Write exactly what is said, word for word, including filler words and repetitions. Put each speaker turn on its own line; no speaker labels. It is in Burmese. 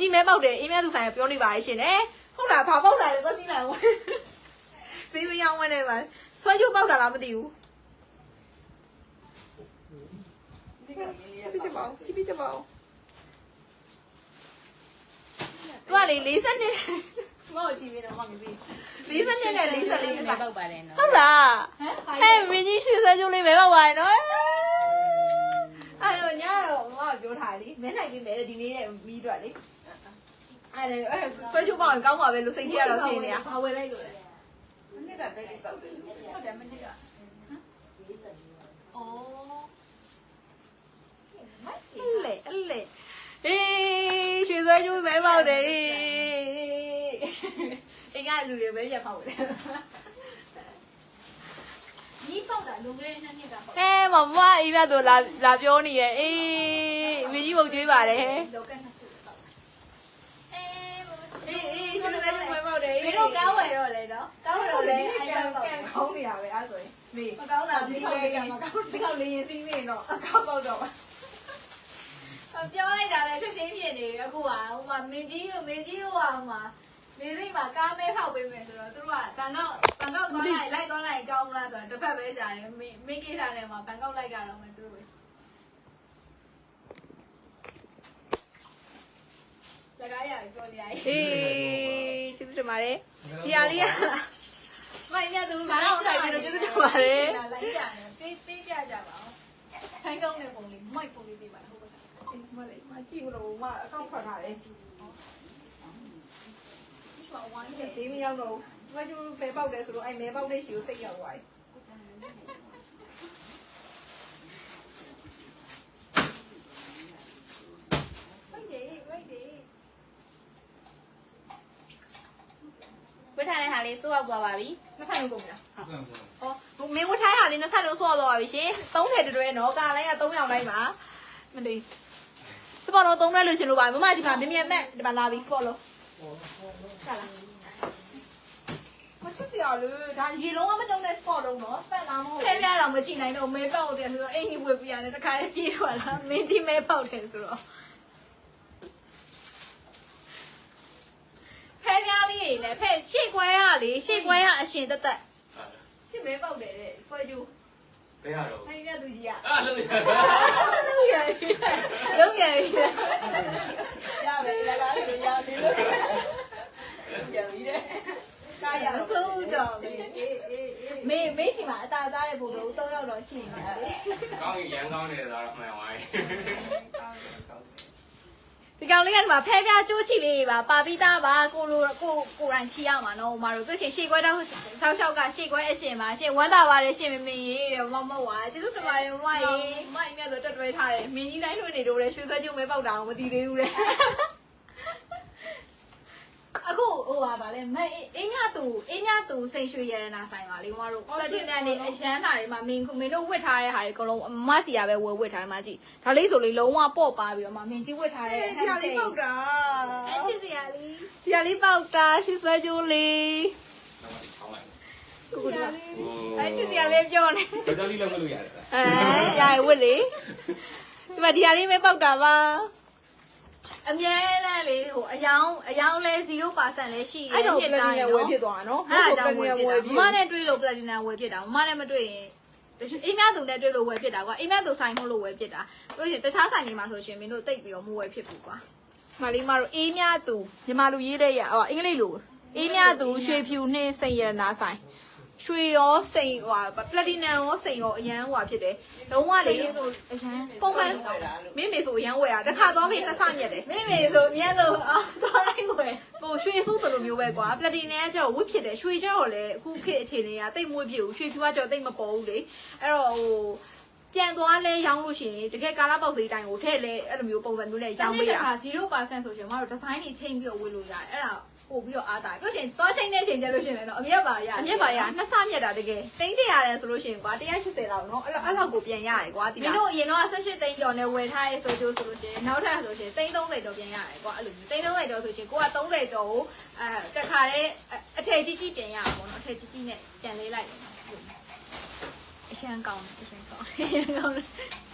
ကြီးမဲပေါက်တယ်အေးမြတ်သူဆိုင်ကပြောနေပါရဲ့ရှင်လေဟုတ်လားဘာပေါက်တာလဲသွားကြည့်လိုက်အောင်ဈေးမရောင်းဝင်နေပါဆွဲကျိုးပေါက်တာလားမသိဘူးကြည့်ပြကြပါဦးကြည့်ပြကြပါဦးသူကလေ၄၀နှစ်မောက်ကြည့်နေတော့မှမပြီး၄၀နှစ်နဲ့၄၄နှစ်ပေါက်ပါတယ်နော်ဟုတ်လားဟဲ့မင်းကြီးရွှေဆွဲကျိုးလေးပဲပေါက်ပါတယ်နော်အဲ့တော့ညတော့မမပြောထားလေမဲနိုင်ပြီမဲဒီနေ့နဲ့မီးတော့လေအဲ့ဒါအဲ့ဆွဲကျိုးပေါက်ရင်ကောင်းပါပဲလို့စိတ်ကြီးရတော့ဖြစ်နေတာဘာဝယ်လိုက်လို့လဲမနေ့ကတိုက်ပေါက်တယ်ဟုတ်တယ်မနေ့ကဟမ်အော်အဲ့လေအဲ့လေအေးရွှေဆွဲကျိုးပဲပေါက်တယ်အင်္ဂါလူတွေပဲပြတ်ပေါက်တယ်ညီပေါက်တာလုံခဲ့တဲ့နှစ်ကပေါက်အဲမမအေးပြတော့လာလာပြောနေရဲ့အေးမကြီးပုတ်ကျွေးပါတယ်လောကနှစ်ခုပေါက်အေးအေးရွှေဆွဲကျိုးပဲပေါက်တယ်မင်းတို့ကောင်းဝယ်တော့လေနော်ကောင်းဝယ်တော့လေအဲ့ဒါပေါက်တယ်ကောင်းနေရပဲအဲ့ဆိုရင်မေမကောင်းတာဒီလေကမကောင်းဒီကောက်လေးရင်စီးနေတော့အကောက်ပေါက်တော့ပြောလိုက်တာလေချက်ချင်းဖြစ်နေပြီအခုကဟိုမှာမင်းကြီးတို့မင်းကြီးတို့ကဟိုမှာနေစိတ်မှာကားမဲဖောက်ပေးမယ်ဆိုတော့သူတို့ကဘန်ကောက်ဘန်ကောက်သွားလိုက်လိုက်သွားလိုက်ကောင်းမလားဆိုတော့တစ်ဖက်ပဲကြာတယ်မင်းမင်းကိစ္စနဲ့မှာဘန်ကောက်လိုက်ကြတော့မယ်သူတို့စကားရပြောနေရတယ်ဟေးကျေးဇူးတင်ပါတယ်ဒီဟာလေးကမိုင်းမြတ်သူဘာလို့ထိုင်ပြီးတော့ကျေးဇူးတင်ပါတယ်လိုက်ကြတယ်ပေးပေးကြကြပါဦးခိုင်းကောင်းတဲ့ပုံလေးမိုက်ပုံလေးပေးပါဟုတ်ပါမလေးမကြည့်လို့မအကောင့်ထွက်ထားတယ်ဝိုင်းတယ်သေးမရောက်တော့ဘူးဘာကျိုးပဲပေါက်တယ်ဆိုတော့အဲ့မဲပေါက်တဲ့ရှီကိုစိတ်ရောက်သွားပြီဝိုင်းတယ်ဝိုင်းတယ်ဝတ်ထားတဲ့ဟာလေးစိုးရောက်သွားပါပြီနှစ်ဆလုံးကုန်ပြီလားဟောမင်းဝတ်ထားတဲ့ဟာလေးနှစ်ဆလုံးစိုးရောက်သွားပါပြီရှင်သုံးထည်တွဲနော်ကာလိုင်းကသုံးယောက်လိုက်ပါမလေးစပေါ်လုံးသုံးရက်လို့ရှင်လို့ပါမမဒီမှာမြင်မြင်မဲ့ဒီမှာလာပြီစပေါ်လုံးဆက်လာမချစ်စရာလေဒါရေလုံးကမကြုံတဲ့စပေါ်လုံးနော်စက်သားမဟုတ်ခဲပြားတော့မကြည့်နိုင်တော့မဲပေါက်တယ်ဆိုတော့အိမ်ကြီးဝေပြရတယ်တခါလေးပြေးထွက်လာမင်းကြီးမဲပေါက်တယ်ဆိုတော့ဖဲပြားလေးတွေလည်းဖဲရှေ့ခွဲရလေရှေ့ခွဲရအရှင်တက်တက်ရှေ့မဲပေါက်တယ်တဲ့ဆွဲကျိုးဘယ်ဟာတော့အဲ့ဒီမြတ်သူကြီးอ่ะအာလုံးရလုံးရလုံးရရမယ်လာလာလို့ရပြီလို့ရပြီတဲ့ကာရအစိုးတော့မေမေမေရှိမှာအတားသားတဲ့ပုံစံသုံးယောက်တော့ရှိနေတယ်ကောင်းရင်ရန်ကောင်းတယ်ဆိုတော့မှန်ပါရဲ့ဒီကောင်လေးကဒီမှာဖဲပြားကျိုးချီလေးပါပါပြီးသားပါကိုလိုကိုကိုရိုင်းချီရမှာနော်ဟိုမှာတို့သူရှင်ရှေ့ခွဲတော့ဆောက်ရှောက်ကရှေ့ခွဲအရှင်ပါရှင်ဝမ်းသာပါတယ်ရှင်မမင်းရေးတယ်မမဝါကျေးဇူးတင်ပါတယ်မမရေးမမအမြတ်ဆိုတက်တွဲထားတယ်မင်းကြီးတိုင်းလွှင့်နေတော့လေရွှေဆွဲကျုံမဲပေါက်တာအောင်မသိသေးဘူးလေအခုဟိုပါဗာလဲမအင်းညတူအင်းညတူစိန်ရွှေရတနာဆိုင်ပါလေမမတို့ကတင်တန်းနေအရန်လာတွေမှာမင်းမင်းတို့ဝတ်ထားတဲ့ဟာတွေအကုန်လုံးမစီရပဲဝယ်ဝတ်ထားတယ်မကြည့်ဒါလေးဆိုလေလုံးဝပေါ့ပါပြီးတော့မှမင်းကြီးဝတ်ထားတဲ့ဒီဟာလေးပေါက်တာအဲချစ်စရာလေးဒီဟာလေးပေါက်တာရွှေဆွဲကျိုးလေးကိုကိုဒါအဲချစ်စရာလေးပြောနေဒါလေးလည်းမလို့ရတယ်အဲရရဝတ်လေဒီမှာဒီဟာလေးပဲပေါက်တာပါအမြဲတမ်းလေဟိုအယောင်အယောင်လဲ zero percent လဲရှိတယ်ဖြစ်တာရောဝယ်ဖြစ်သွားတာနော်အဲ့ဒါကြောင့်ဝယ်ဖြစ်တာမမနဲ့တွေ့လို့ platinum ဝယ်ဖြစ်တာမမနဲ့မတွေ့ရင်အိမ်မြသူနဲ့တွေ့လို့ဝယ်ဖြစ်တာကွာအိမ်မြသူဆိုင်မို့လို့ဝယ်ဖြစ်တာတို့ရှင်တခြားဆိုင်တွေမှာဆိုရှင်မင်းတို့တိတ်ပြီးတော့မဝယ်ဖြစ်ဘူးကွာမလေးမတို့အေးမြသူမြန်မာလူရေးတဲ့ရဟောအင်္ဂလိပ်လိုအေးမြသူရွှေဖြူနှင်းစိန်ရတနာဆိုင်ရွှေရောစိန်ဟိုပလက်တီနမ်ရောစိန်ရောအရန်ဟိုဖြစ်တယ်လုံးဝလေဆိုအရန်ပုံမှန်မင်းမေဆိုအရန်ဝယ်တာတစ်ခါသွားပြီးနှစ်ဆမြက်တယ်မင်းမေဆိုအမြက်လို့အော်သွားလိုက်ဝယ်ဟိုရွှေဆိုးတယ်လို့မျိုးပဲကွာပလက်တီနမ်ကကျတော့ဝစ်ဖြစ်တယ်ရွှေကျတော့လေအခုခေတ်အခြေအနေကတိတ်မွေးပြဘူးရွှေဖြူကကျတော့တိတ်မပေါ်ဘူးလေအဲ့တော့ဟိုပြန်သွားလဲရောင်းလို့ရှိရင်တကယ်ကာလာပေါက်သေးတိုင်းကိုထည့်လဲအဲ့လိုမျိုးပုံစံမျိုးနဲ့ရောင်းပေးရတာ zero percent ဆိုရှင်မတို့ဒီဇိုင်းတွေချိန်ပြီးတော့ဝယ်လို့ရတယ်အဲ့ဒါပို့ပြီးတော့အားတာတို့ရှင်သွားချိန်နဲ့ချိန်ကြလို့ရှင်လည်းတော့အမြတ်ပါရအမြတ်ပါရနှစ်ဆမြတ်တာတကယ်တိန်းတရာတယ်ဆိုလို့ရှင်ကွာone eightyလောက်နော်အဲ့အဲ့လောက်ကိုပြန်ရတယ်ကွာဒီမှာမင်းတို့အရင်တော့eighteenသိန်းကျော်နဲ့ဝယ်ထားရဲဆိုကြဆိုလို့ရှင်နောက်ထပ်ဆိုရှင်thirtyကျော်ပြန်ရတယ်ကွာအဲ့လိုthirtyကျော်ဆိုရှင်ကိုကthirtyကျော်ကိုအဲတခါတည်းအထည်ကြီးကြီးပြန်ရအောင်ပေါ့နော်အထည်ကြီးကြီးနဲ့ပြန်လေးလိုက်တယ်အရှမ်းကောင်းတယ်အရှမ်းကောင်းတယ်ကောင်းတယ်